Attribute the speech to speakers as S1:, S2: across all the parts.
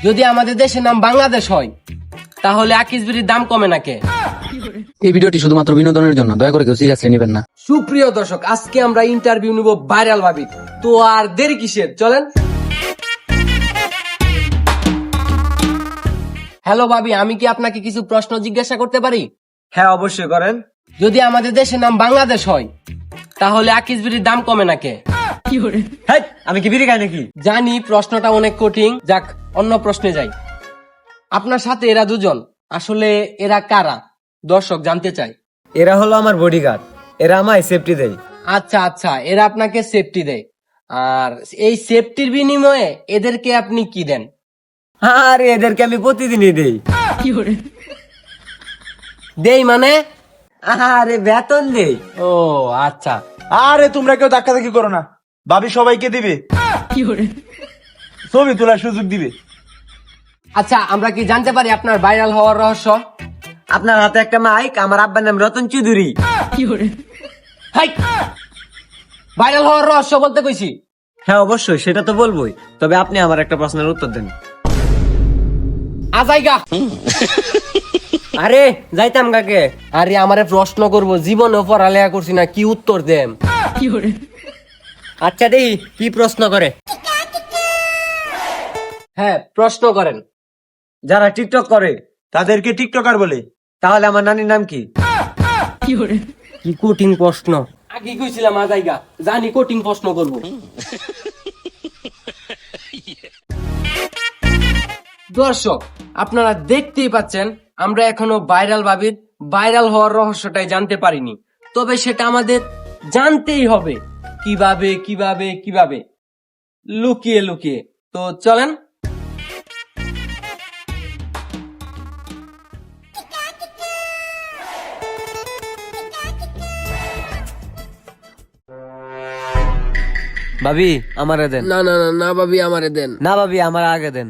S1: যদি আমাদের দেশের নাম বাংলাদেশ হয় তাহলে আকিস বিড়ির দাম কমে না কে?
S2: এই ভিডিওটি শুধুমাত্র বিনোদনের জন্য, দয়া করে কেউ সিরিয়াসলি নেবেন না।
S1: সুপ্রিয় দর্শক, আজকে আমরা ইন্টারভিউ নিব ভাইরাল ভাবি। তো আর দেরি কিসের, চলেন। হ্যালো ভাবি, আমি কি আপনাকে কিছু প্রশ্ন জিজ্ঞাসা করতে পারি?
S3: হ্যাঁ, অবশ্যই করেন।
S1: যদি আমাদের দেশের নাম বাংলাদেশ হয় তাহলে আকিস বিড়ির দাম কমে না কে?
S3: হ্যাঁ, আমি কি বিড়ি খাই নাকি?
S1: জানি প্রশ্নটা অনেক কঠিন, যাক অন্য প্রশ্নে যাই। আপনার সাথে এরা দুজন, আসলে এরা কারা? দর্শক জানতে চায়।
S3: এরা হলো আমার বডিগার্ড। এরা আমায় সেফটি দেয়।
S1: আচ্ছা আচ্ছা, এরা আপনাকে সেফটি দেয়, আর এই সেফটির বিনিময়ে এদেরকে আপনি কি দেন?
S3: আরে এদেরকে আমি প্রতিদিনই দেই।
S1: দেই মানে?
S3: আরে বেতন দেই।
S1: ও আচ্ছা।
S4: আরে তোমরা কেউ ধাক্কাধাক্কি করো না, ভাবি সবাইকে দিবে, ছবি তোলার সুযোগ দিবে।
S1: আচ্ছা, আমরা কি জানতে পারি আপনার ভাইরাল হওয়ার রহস্য?
S3: আপনার হাতে একটা মাইক, আমার আব্বার নাম রতন চৌধুরী।
S1: ভাইরাল হওয়ার রহস্য বলতে কইছি।
S3: হ্যাঁ অবশ্যই, সেটা তো বলবোই। তবে আপনি আমার একটা প্রশ্নের উত্তর দেন।
S1: আজাইগা।
S3: আরে যাইতাম কাকে?
S1: আরে আমারে প্রশ্ন করব, জীবনে পড়ালেখা করছি না, কি উত্তর দেম?
S3: আচ্ছা দেই, কি প্রশ্ন করে?
S1: হ্যাঁ, প্রশ্ন করেন।
S3: যারা টিকটক করে
S4: তাদেরকে টিকটকার বলে।
S3: তাহলে আমার নানির নাম কি?
S1: কি কঠিন প্রশ্ন। আগে কইছিলাম আজাইগা, জানি কঠিন প্রশ্ন করব। দর্শক, আপনারা দেখতেই পাচ্ছেন আমরা এখনো ভাইরাল ভাবির ভাইরাল হওয়ার রহস্যটাই জানতে পারিনি। তবে সেটা আমাদের জানতেই হবে। কিভাবে কিভাবে কিভাবে? লুকিয়ে লুকিয়ে। তো চলেন।
S3: ভাবি আমারে দেন।
S1: না না না না ভাবি, আমারে দেন।
S3: না ভাবি, আমার আগে দেন।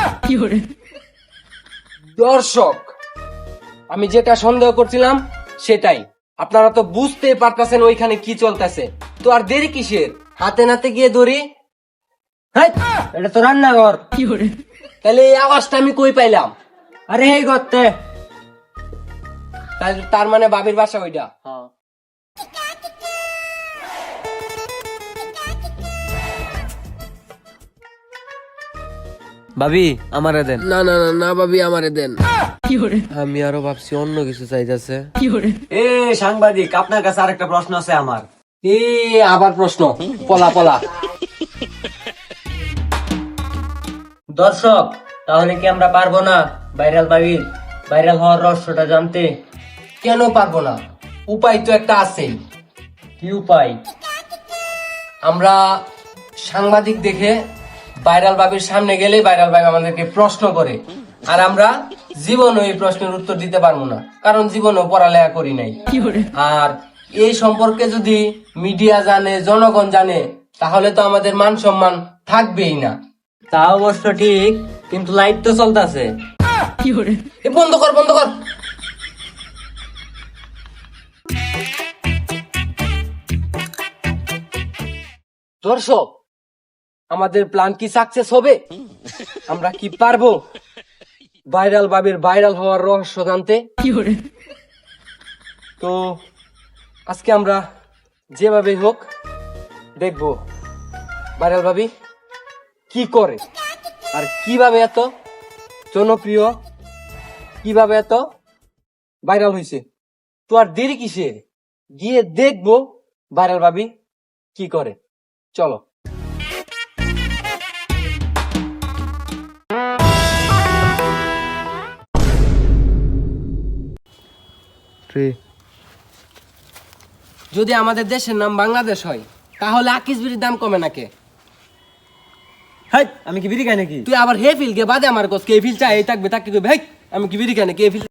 S1: দর্শক, আমি যেটা সন্দেহ করছিলাম সেটাই। আপনারা তো বুঝতেই পারতেছেন ওইখানে কি চলতেছে। তো আর দেরি কিসের? হাতে নাতে গিয়ে ধরি।
S3: হেই, এটা তো রান্নাঘর।
S1: তাহলে এই আওয়াজটা আমি কই পাইলাম?
S3: আরে এই করতে।
S1: তার মানে বাবির বাসা ওইটা।
S3: ভাবি আমারে দেন।
S1: না না না না ভাবি, আমারে দেন। আমি আরো ভাবছি অন্য কিছু চাইতেছে।
S3: এ সাংবাদিক, আপনার কাছে আরেকটা প্রশ্ন আছে আমার।
S1: এ আবার প্রশ্ন? পলা পলা। দর্শক, তাহলে কি আমরা পারবো না ভাইরাল ভাবির ভাইরাল হওয়ার রহস্যটা জানতে? কেন পারবো না? উপায় তো একটা আছেই। কি উপায়? আমরা সাংবাদিক দেখে ভাইরাল ভাবির সামনে গেলে ভাইরাল ভাবি আমাদেরকে প্রশ্ন করে, আর আমরা জীবনও এই প্রশ্নের উত্তর দিতে পারবো না, কারণ জীবনও পড়ালেখা করি নাই। আর এই সম্পর্কে যদি মিডিয়া জানে, জনগণ জানে, তাহলে তো আমাদের মান সম্মান থাকবেই না।
S3: তা অবশ্য ঠিক, কিন্তু লাইট তো চলতেছে।
S1: এ বন্ধ কর, বন্ধ কর। দর্শক, আমাদের প্ল্যান কি সাকসেস হবে? আমরা কি পারবো ভাইরাল ভাবির ভাইরাল হওয়ার রহস্য জানতে? তো আজকে আমরা যেভাবে হোক দেখবো ভাইরাল ভাবি কি করে, আর কিভাবে এত জনপ্রিয়, কিভাবে এত ভাইরাল হয়েছে। তো আর দেরি কিসের? গিয়ে দেখবো ভাইরাল ভাবি কি করে। চলো। যদি আমাদের দেশের নাম বাংলাদেশ হয় তাহলে আকিস বিড়ির দাম কমে না কে?
S3: হেই, আমি কি বিড়ি খাই নাকি?
S1: তুই আবার হে ফিল কে বাদে আমার কস কে ফিল চাই থাকবে, তাকে কই ভাই আমি কি বিড়ি খাই না কে ফিল।